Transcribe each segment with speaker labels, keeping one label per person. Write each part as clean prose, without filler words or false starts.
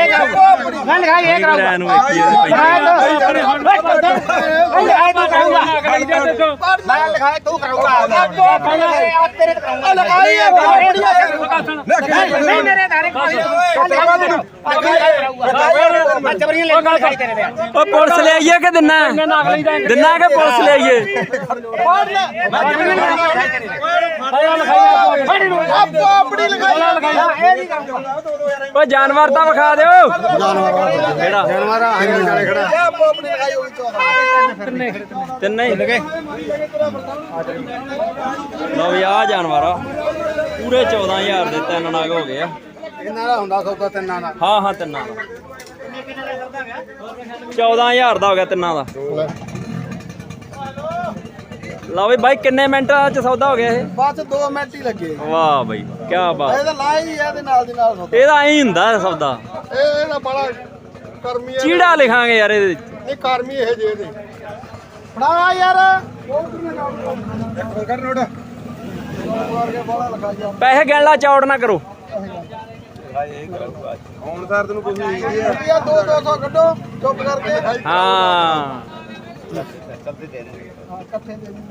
Speaker 1: Police ले आइए कि दिना दिना के पुलिस ले आइए जानवर तो विखा दो तीन लो भी आ जानवर पूरे 14,000 के 3 नाग हो गए हाँ हाँ 3 14,000 का हो गया 3 का लो भाई भाई किन्ने मिनट च सौदा हो गया बस 2 मिनट ही लगे वाह भाई क्या बात ਇਹਦਾ ਐਂ ਹੁੰਦਾ ਸੌਦਾ ਇਹਦਾ ਬੜਾ ਕਰਮੀ ਚੀੜਾ ਲਿਖਾਂਗੇ ਯਾਰ ਇਹਦੇ ਨਹੀਂ ਕਰਮੀ ਇਹ ਜੇ ਦੇ ਫੜਾ ਯਾਰ ਕਰ ਨੋਟ ਪੈਸੇ ਗਿਣ ਲਾ ਚੌੜ ਨਾ ਕਰੋ ਹੁਣ ਸਰ ਤੈਨੂੰ ਕੁਝ ਨਹੀਂ ਰੁਪਿਆ 200 ਕੱਢੋ ਚੁੱਪ ਕਰਕੇ ਹਾਂ ਚੱਲਦੇ ਦੇ ਦੇ ਹਾਂ ਇਕੱਠੇ ਦੇ ਦੇ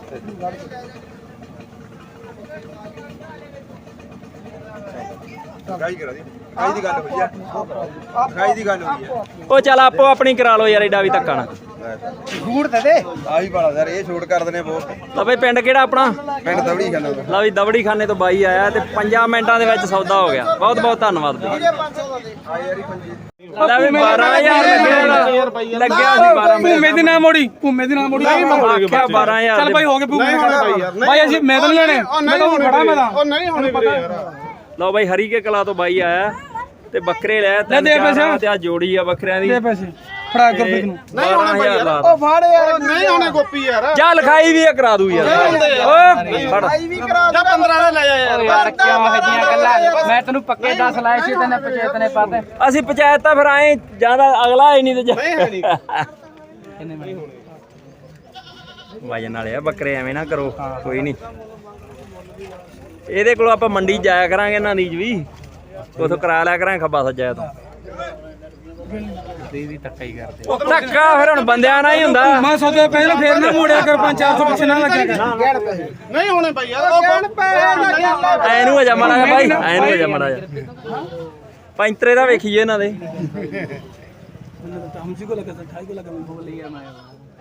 Speaker 1: ਗਾਈ ਕਰਾ ਦੀ ਗਾਈ ਦੀ ਗੱਲ ਹੋਈ ਆ ਗਾਈ ਦੀ ਗੱਲ ਹੋਈ ਆ ਉਹ ਚੱਲ ਆਪੋ ਆਪਣੀ ਕਰਾ ਲਓ ਯਾਰ ਏਡਾ ਵੀ ਧੱਕਾ ਨਾ ਛੂਟ ਦੇ ਦੇ ਆਹੀ ਵਾਲਾ ਯਾਰ ਇਹ ਛੂਟ ਕਰ ਦਨੇ ਬਹੁਤ ਤਾਂ ਬਈ ਪਿੰਡ ਕਿਹੜਾ ਆਪਣਾ ਪਿੰਡ ਦਵੜੀ ਖਾਨੇ ਤੋਂ ਲਾ ਵੀ ਦਵੜੀ ਖਾਨੇ ਤੋਂ ਬਾਈ ਆਇਆ ਤੇ 5 ਮਿੰਟਾਂ ਦੇ ਵਿੱਚ ਸੌਦਾ ਹੋ ਗਿਆ ਬਹੁਤ ਬਹੁਤ ਧੰਨਵਾਦ ਬਈ ਆ ਯਾਰੀ 5 ਲੈ ਵੀ 12000 ਲੱਗਿਆ ਸੀ 12 ਭੂਮੇ ਦੀ ਨਾ ਮੋੜੀ ਭੂਮੇ ਦੀ ਨਾ ਮੋੜੀ ਆਖਿਆ 12000 ਚੱਲ ਬਾਈ ਹੋ ਗਏ ਭੂਮੇ ਬਾਈ ਅਸੀਂ ਮੈਂ ਤਾਂ ਨਹੀਂ ਲੈਣੇ ਮੈਂ ਤਾਂ ਖੜਾ ਮੈਂ ਤਾਂ ਉਹ ਨਹੀਂ ਹੋਣੇ ਪਤਾ ਯਾਰ ਲਓ ਬਾਈ ਹਰੀ ਕੇ ਕਲਾ ਤੋਂ ਬਾਈ ਆਇਆ ਤੇ ਬੱਕਰੇ ਲੈ ਤੇ ਆ ਜੋੜੀ ਆ ਬੱਕਰਿਆਂ ਦੀ ਦੇ ਪੈਸੇ ਫੜਾ ਗੁਰਪ੍ਰੀਤ ਨੂੰ ਨਹੀਂ ਹੋਣੇ ਬਾਈ ਯਾਰ ਉਹ ਫੜ ਯਾਰ ਨਹੀਂ ਹੋਣੇ ਗੋਪੀ ਯਾਰ ਜਾ ਲਿਖਾਈ ਵੀ ਕਰਾ ਦੂ ਯਾਰ ਓਏ ਫੜ ਲਿਖਾਈ ਵੀ ਕਰਾ ਜਾ 15 ਦਾ ਲੈ ਜਾ ਯਾਰ ਕਿਉਂ ਹਜੀਆਂ ਗੱਲਾਂ ਮੈਂ ਤੈਨੂੰ ਪੱਕੇ 10 ਲਾਏ ਸੀ ਤੈਨੂੰ ਪੰਚਾਇਤ ਨੇ ਪਾਤੇ ਅਸੀਂ ਪੰਚਾਇਤ ਤਾਂ ਫਿਰ ਆਏ ਜਿਆਦਾ ਅਗਲਾ ਹੀ ਨਹੀਂ ਤੇ ਨਹੀਂ ਕਿੰਨੇ ਨਹੀਂ ਹੋਣੇ ਵਜਨ ਵਾਲੇ ਆ ਬੱਕਰੇ ਐਵੇਂ ਨਾ ਕਰੋ ਕੋਈ ਨਹੀਂ ਇਹਦੇ ਕੋਲ ਆਪਾਂ ਮੰਡੀ ਜਾਇਆ ਕਰਾਂਗੇ ਇਹਨਾਂ ਦੀ ਵੀ ਉਥੋਂ ਕਰਾ ਲਿਆ ਕਰਾਂਗੇ ਖੱਬਾ ਸੱਜਾ ਤੋਂ ਧੱਕਾ ਹੀ ਕਰਦੇ ਧੱਕਾ ਫਿਰ ਹੁਣ ਬੰਦਿਆਂ ਨਾਲ ਹੀ ਹੁੰਦਾ ਮੈਂ ਸੌਦੇ ਪਹਿਲਾਂ ਫੇਰ ਨਾ ਮੋੜਿਆ ਕਰ 5-400 ਪਿੱਛੇ ਨਾ ਲੱਗਿਆ ਨਹੀਂ ਹੋਣੇ ਭਾਈ ਯਾਰ ਐ ਨੂੰ ਹੋ ਜਾ ਮਾੜਾ ਭਾਈ ਐ ਨੂੰ ਹੋ ਜਾ ਮਾੜਾ ਪੈਂਤਰੇ ਦਾ ਵੇਖੀਏ ਇਹਨਾਂ ਦੇ ਹਮਸੀ ਕੋ ਲੱਗਾ 28 ਕੋ ਲੱਗਾ ਮੈਂ ਬੋਲ ਲਿਆ ਮੈਂ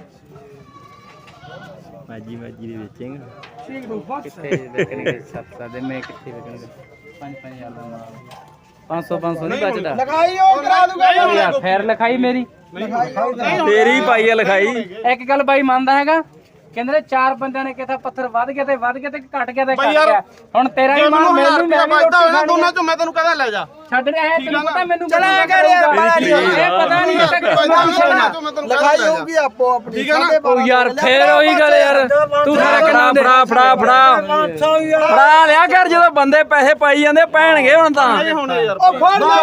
Speaker 1: ਮਾਜੀ ਦੇ ਵੇਚੇਂਗਾ ਕਿੱਥੇ ਵੇਚਣਗੇ 7 ਦੇ ਮੈਂ ਕਿੱਥੇ ਵੇਚਣਗੇ 5-5000 ਦਾ 500 ਨਹੀਂ ਬਚਦਾ ਲਿਖਾਈ ਉਹ ਕਰਾ ਦੂਗਾ ਯਾਰ ਫੇਰ ਲਿਖਾਈ ਮੇਰੀ ਤੇਰੀ ਪਾਈ ਆ ਲਿਖਾਈ ਇੱਕ ਗੱਲ ਬਾਈ ਮੰਨਦਾ ਹੈਗਾ ਕਹਿੰਦੇ 4 ਬੰਦਿਆਂ ਨੇ ਕਿਹਾ ਪੱਥਰ ਵੱਧ ਗਿਆ ਤੇ ਘਟ ਗਿਆ ਤੇ ਘਟ ਗਿਆ ਹੁਣ ਤੇਰਾ ਹੀ ਮਨ ਮੈਨੂੰ ਮੈਂ ਦੋਨਾਂ ਚੋਂ ਮੈਂ ਤੈਨੂੰ ਕਹਦਾ ਲੈ ਜਾ ਛੱਡ ਰਿਹਾ ਹੈ ਤੈਨੂੰ ਪਤਾ ਮੈਨੂੰ ਚਲਾ ਕਰ ਯਾਰ ਇਹ ਪਤਾ ਨਹੀਂ ਲਿਖਾਈ ਹੋਊਗੀ ਆਪੋ ਆਪਣੀ ਠੀਕ ਹੈ ਨਾ ਉਹ ਯਾਰ ਫੇਰ ਉਹੀ ਗੱਲ ਯਾਰ ਤੂੰ ਸਾਰਾ ਕਿੰਨਾ ਫੜਾ ਲਿਆ ਕਰ ਜਦੋਂ ਬੰਦੇ ਪੈਸੇ ਪਾਈ ਜਾਂਦੇ ਪੈਣਗੇ ਹੁਣ ਤਾਂ ਉਹ ਫੜ ਲੈ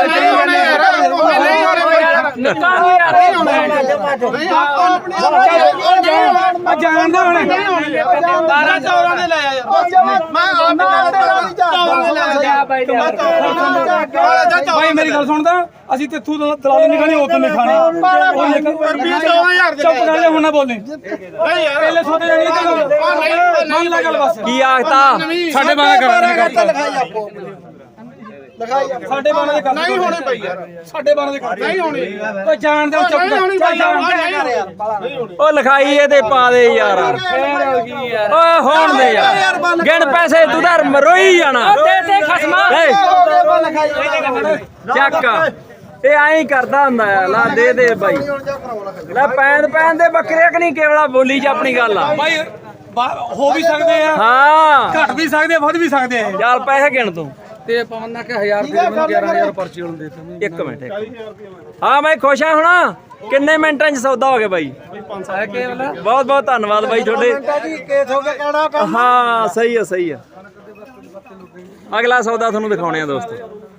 Speaker 1: ਜਾਣਦਾ ਹੁਣ 12-14 ਦੇ ਲੈ ਆ ਯਾਰ ਮੈਂ ਆਪ ਭਾਈ ਮੇਰੀ ਗੱਲ ਸੁਣਦਾ ਅਸੀਂ ਤੇਥੂ ਦਲਾਲੀ ਨਹੀਂ ਖਾਣੀ ਉਦੋਂ ਨਹੀਂ ਖਾਣੀ 14000 ਚੁੱਪ ਕਰ ਜਾ ਹੁਣ ਨਾ ਬੋਲੇ ਨਹੀਂ ਯਾਰ ਪਹਿਲੇ ਸੋਤੇ ਜਾਣੀ ਮੰਨ ਲੈ ਗੱਲ ਬਸ ਕੀ ਆਖਤਾ ਸਾਡੇ ਬਾਰੇ ਕਰਦਾ ਲਿਖਾਈ ਆਪੋ ਲਿਖਾਈ ਸਾਡੇ ਬਾਰੇ ਦੇ ਨਹੀਂ ਹੋਣੇ ਭਾਈ ਯਾਰ ਸਾਡੇ ਬਾਰੇ ਦੇ ਨਹੀਂ ਹੋਣੇ ਓ ਜਾਣਦੇ ਚੁੱਪ ਓ ਲਿਖਾਈ ਇਹਦੇ ਪਾ ਦੇ ਯਾਰ ਓਏ ਹੋਣ ਦੇ ਯਾਰ ਗਿਣ ਪੈਸੇ ਤੂੰ ਤਾਂ ਮਰੋਈ ਜਾਣਾ ਦੇ ਖਸਮਾ ਚੱਕ ਇਹ ਐਂ ਕਰਦਾ ਹੁੰਦਾ ਆ ਲਾ ਦੇ ਬਾਈ ਲੈ ਪੈਣ ਦੇ ਬੱਕਰੇ ਕਿ ਨਹੀਂ ਕੇਵਲਾ ਬੋਲੀ ਚ ਆਪਣੀ ਗੱਲ ਆ ਬਾਈ ਹੋ ਵੀ ਸਕਦੇ ਆ ਹਾਂ ਘਟ ਵੀ ਸਕਦੇ ਵੱਧ ਵੀ ਸਕਦੇ ਆ ਚੱਲ ਪੈਸੇ ਗਿਣ ਤੂੰ ਤੇ ਪਵਨ ਨਾ ਕਿ 1000 ਰੁਪਏ ਮੈਨੂੰ 11000 ਪਰਚੀ ਹੁਣ ਦੇ ਤਾ ਇੱਕ ਮਿੰਟ ਹਾਂ ਮੈਂ ਖੁਸ਼ ਆ ਹੁਣ ਕਿੰਨੇ ਮਿੰਟਾਂ 'ਚ ਸੌਦਾ ਹੋ ਗਿਆ ਬਾਈ ਬਹੁਤ ਬਹੁਤ ਧੰਨਵਾਦ ਬਾਈ ਤੁਹਾਡੇ ਹਾਂ ਸਹੀ ਆ ਅਗਲਾ ਸੌਦਾ ਤੁਹਾਨੂੰ ਦਿਖਾਉਣੇ ਆ ਦੋਸਤੋ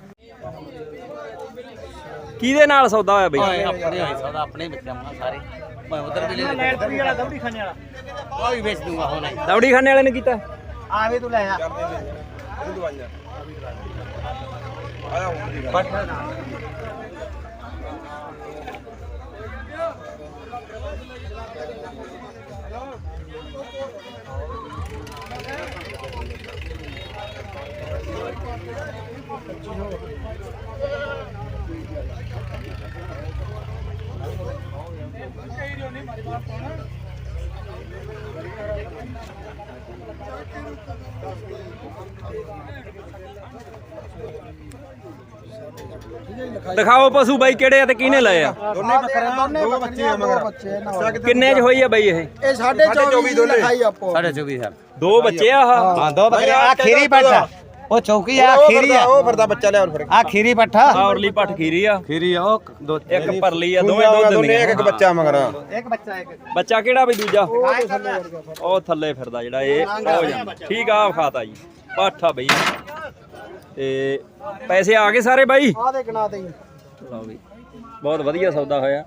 Speaker 1: ਕਿਹਦੇ ਨਾਲ ਸੌਦਾ ਹੋਇਆ ਬਾਈ ਆਪਣੇ ਹੋਇਆ ਸੌਦਾ ਆਪਣੇ ਵੇਚਾਂ ਸਾਰੇ ਮੈਂ ਉਧਰ ਦੇ ਲੈ ਲੈਟਰੀ ਵਾਲਾ ਦਵੜੀ ਖਾਨੇ ਵਾਲਾ ਉਹ ਵੀ ਵੇਚ ਦੂੰਗਾ ਹੁਣ ਦਵੜੀ ਖਾਨੇ ਵਾਲੇ ਨੇ ਕੀਤਾ ਆਵੇ ਤੂੰ ਲੈ ਆ ਦਿਖਾਓ ਪਸ਼ੂ ਬਾਈ ਕਿਹੜੇ ਆ ਤੇ ਕਿਹਨੇ ਲਏ ਆ?
Speaker 2: ਦੋਨੇ ਬੱਕਰੇ ਦੋ ਬੱਚੇ ਆ ਮਗਰ
Speaker 1: ਕਿੰਨੇ ਚ ਹੋਈ ਆ ਬਾਈ ਇਹ?
Speaker 2: ਇਹ 24.5 ਦੀ ਲਿਖਾਈ ਆਪੋ
Speaker 3: 24.5 ਸਾਲ
Speaker 1: ਦੋ ਬੱਚੇ ਆ ਆਹ?
Speaker 3: ਹਾਂ ਦੋ ਬੱਕਰੇ ਆ ਖੀਰੀ ਪੱਠਾ ਉਹ ਚੌਕੀ ਆ ਖੀਰੀ ਆ
Speaker 2: ਉਹ ਫਿਰਦਾ ਬੱਚਾ ਲਿਆ ਫਿਰ
Speaker 3: ਆ ਖੀਰੀ ਪੱਠਾ
Speaker 1: ਆਹ ਔਰਲੀ ਪੱਠ ਖੀਰੀ ਆ,
Speaker 3: ਖੀਰੀ ਆ ਉਹ ਦੋ
Speaker 1: ਇੱਕ ਪਰਲੀ ਆ, ਦੋਵੇਂ ਦੁੱਧ
Speaker 2: ਦੋਨੇ
Speaker 1: ਦਿੰਦੀਆਂ।
Speaker 2: ਇੱਕ ਬੱਚਾ ਮਗਰ
Speaker 3: ਇੱਕ ਬੱਚਾ ਇੱਕ
Speaker 1: ਬੱਚਾ ਕਿਹੜਾ ਬਈ ਦੂਜਾ? ਉਹ ਥੱਲੇ ਫਿਰਦਾ ਜਿਹੜਾ ਇਹ ਹੋ ਜਾਂਦਾ। ਠੀਕ ਆ ਖਾਤਾ ਜੀ ਪਾਠਾ ਬਈ। ਤੇ ਪੈਸੇ ਆ ਗਏ ਸਾਰੇ ਬਾਈ?
Speaker 2: ਆ ਦੇ ਗਣਾ ਦੇ
Speaker 1: ਲਓ ਬਈ ਬਹੁਤ ਵਧੀਆ ਸੌਦਾ ਹੋਇਆ।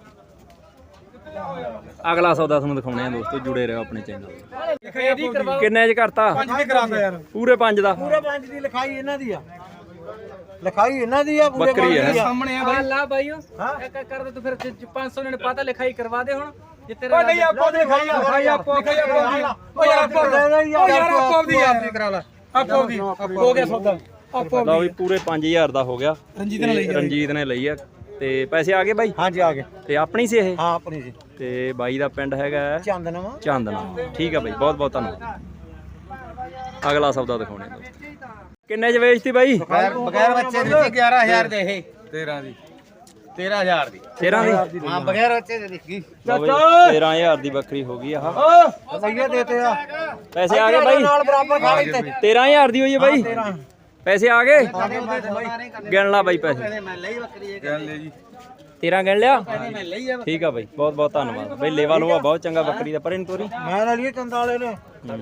Speaker 1: ਅਗਲਾ ਸੌਦਾ ਤੁਹਾਨੂੰ ਦਿਖਾਉਣੇ ਆ ਦੋਸਤੋ, ਜੁੜੇ ਰਹੋ ਆਪਣੇ ਚੈਨਲ। ਕਿੰਨੇ ਚ ਕਰਤਾ?
Speaker 2: 5 ਦੀ ਕਰਾਂਦਾ ਯਾਰ
Speaker 1: ਪੂਰੇ 5 ਦਾ।
Speaker 2: ਪੂਰੇ 5 ਦੀ ਲਿਖਾਈ ਇਹਨਾਂ ਦੀ ਆ, ਲਿਖਾਈ ਇਹਨਾਂ ਦੀ ਆ, ਪੂਰੇ
Speaker 1: ਬੱਕਰੀ ਹੈ।
Speaker 2: ਸਾਹਮਣੇ ਆ ਬਾਈ।
Speaker 4: ਲਾ ਭਾਈਓ ਇੱਕ ਕਰ ਦੇ ਤੂੰ ਫਿਰ 500 ਨੇ ਪਤਾ ਲਿਖਾਈ ਕਰਵਾ ਦੇ ਹੁਣ ਜੇ ਤੇਰੇ
Speaker 2: ਨਹੀਂ ਆਪੋ ਦੀ ਲਿਖਾਈ ਆ, ਲਿਖਾਈ ਆਪੋ ਦੀ। ਓ ਯਾਰ ਆਪੋ ਦੀ ਆਪ ਦੀ ਕਰਾ ਲੈ, ਆਪੋ ਦੀ ਹੋ ਗਿਆ ਸੌਦਾ ਆਪੋ
Speaker 1: ਲਓ ਵੀ ਪੂਰੇ 5000 ਦਾ ਹੋ ਗਿਆ। ਰਣਜੀਤ ਨੇ ਲਈ ਆ। ਤੇ ਪੈਸੇ ਆ ਗਏ ਬਾਈ?
Speaker 2: ਹਾਂਜੀ ਆ ਗਏ।
Speaker 1: ਤੇ ਆਪਣੀ ਸੀ ਇਹ?
Speaker 2: ਹਾਂ ਆਪਣੀ ਜੀ।
Speaker 1: ਤੇ ਬਾਈ ਦਾ ਪਿੰਡ ਹੈਗਾ
Speaker 2: ਚੰਦਨਵਾ
Speaker 1: ਚਾਂਦਨਾ। ਠੀਕ ਆ ਬਾਈ ਬਹੁਤ ਬਹੁਤ ਧੰਨਵਾਦ। ਅਗਲਾ ਸੌਦਾ ਦਿਖਾਉਣੇ ਆ ਦੋਸਤੋ। ਕਿੰਨੇ ਚ ਵੇਚਤੀ ਬਾਈ?
Speaker 3: ਬਗੈਰ ਬੱਚੇ ਦੀ 11000 ਦੇ ਇਹ 13 ਦੀ 13000 ਦੀ
Speaker 1: 13 ਦੀ?
Speaker 3: ਹਾਂ ਬਗੈਰ ਬੱਚੇ ਦੇ ਦੇਖੀ
Speaker 1: ਲਓ ਬਈ 13000 ਦੀ ਬੱਕਰੀ ਹੋ ਗਈ ਆਹ।
Speaker 2: ਸਹੀਏ ਦੇਤੇ ਆ
Speaker 1: ਪੈਸੇ ਆ ਗਏ ਬਾਈ?
Speaker 2: ਨਾਲ ਬਰਾਬਰ ਖਾ ਲਈ ਤੇ
Speaker 1: 13000 ਦੀ ਹੋਈ ਹੈ ਬਾਈ? ਪੈਸੇ ਆ ਗਏ? ਗਿਣ ਲਾ ਬਾਈ ਪੈਸੇ।
Speaker 3: ਮੈਂ ਲਈ ਬੱਕਰੀ ਇਹ ਗੱਲ ਲੈ ਜੀ
Speaker 1: 13 ਗਿਣ ਲਿਆ?
Speaker 3: ਮੈਂ ਲਈ ਆ
Speaker 1: ਠੀਕ ਆ ਬਾਈ ਬਹੁਤ ਬਹੁਤ ਧੰਨਵਾਦ ਬਾਈ। ਲੇਵਾ ਲੋਆ ਬਹੁਤ ਚੰਗਾ ਬੱਕਰੀ ਦਾ। ਪਰੇ ਨੂੰ ਤੋਰੀ।
Speaker 2: ਮੈਂ ਲੈ ਲਈ ਚੰਦ ਵਾਲੇ ਨੇ।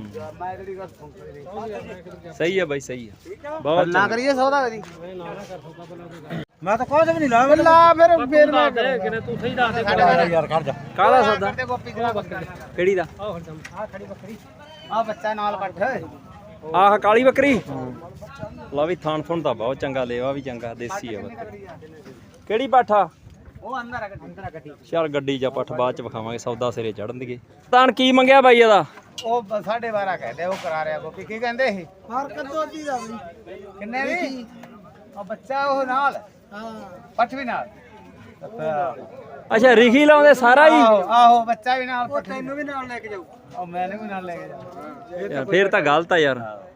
Speaker 1: ਸਹੀ ਆ ਬਾਈ ਸਹੀ ਆ ਬਹੁਤ
Speaker 3: ਨਾ ਕਰੀਏ ਸੌਦਾ ਕਦੀ
Speaker 2: ਮੈਂ ਤਾਂ ਕੁਝ ਵੀ ਨਹੀਂ ਲਾ ਲਾ ਫਿਰ ਮੈਂ
Speaker 4: ਕਿਨੇ ਤੂੰ ਸਹੀ ਦੱਸ ਦੇ
Speaker 2: ਯਾਰ ਖੜ ਜਾ।
Speaker 1: ਕਾਹਦਾ ਸੌਦਾ?
Speaker 3: ਗੋਪੀ ਦੀ
Speaker 1: ਕਿਹੜੀ ਦਾ?
Speaker 3: ਆ ਖੜੀ ਬੱਕਰੀ ਆ ਬੱਚਾ ਨਾਲ ਪੱਠ
Speaker 1: ਆਹ ਕਾਲੀ ਬੱਕਰੀ। ਲਾ ਵੀ ਥਾਣ ਥੁਣ ਤਾਂ ਬਹੁਤ ਚੰਗਾ, ਲੇਵਾ ਵੀ ਚੰਗਾ, ਦੇਸੀ ਆ ਬੱਕਰੀ। ਕਿਹੜੀ ਪਾਠਾ?
Speaker 3: ਉਹ ਅੰਦਰ ਆ ਗੱਡੀ
Speaker 1: ਚੱਲ ਗੱਡੀ ਜਾਂ ਪੱਠ ਬਾਅਦ ਚ ਵਿਖਾਵਾਂਗੇ, ਸੌਦਾ ਸਿਰੇ ਚੜਨ ਦੀਏ। ਤਾਂ ਕੀ ਮੰਗਿਆ ਬਾਈ ਇਹਦਾ?
Speaker 3: ਉਹ 12.5 ਕਹਿੰਦੇ ਉਹ ਕਰਾ ਰਿਹਾ ਗੋਪੀ ਕੀ ਕਹਿੰਦੇ ਇਹ
Speaker 2: ਹਰਕਤ ਤੋਦੀ ਦਾ ਬਈ
Speaker 3: ਕਿੰਨੇ ਦੀ ਉਹ ਬੱਚਾ ਉਹ ਨਾਲ
Speaker 2: ਹਾਂ
Speaker 3: ਪੱਠ ਵੀ ਨਾਲ
Speaker 1: ਅੱਛਾ ਰਿਖੀ ਲਾਉਂਦੇ ਸਾਰਾ ਹੀ?
Speaker 3: ਆਹੋ ਬੱਚਾ ਵੀ ਨਾਲ
Speaker 2: ਉਹ ਤੈਨੂੰ ਵੀ ਨਾਲ ਲੈ ਕੇ ਜਾਊ।
Speaker 3: ਉਹ ਮੈਨੂੰ ਵੀ ਨਾਲ ਲੈ ਕੇ ਜਾ
Speaker 1: ਯਾਰ ਫੇਰ ਤਾਂ ਗਲਤ ਆ ਯਾਰ।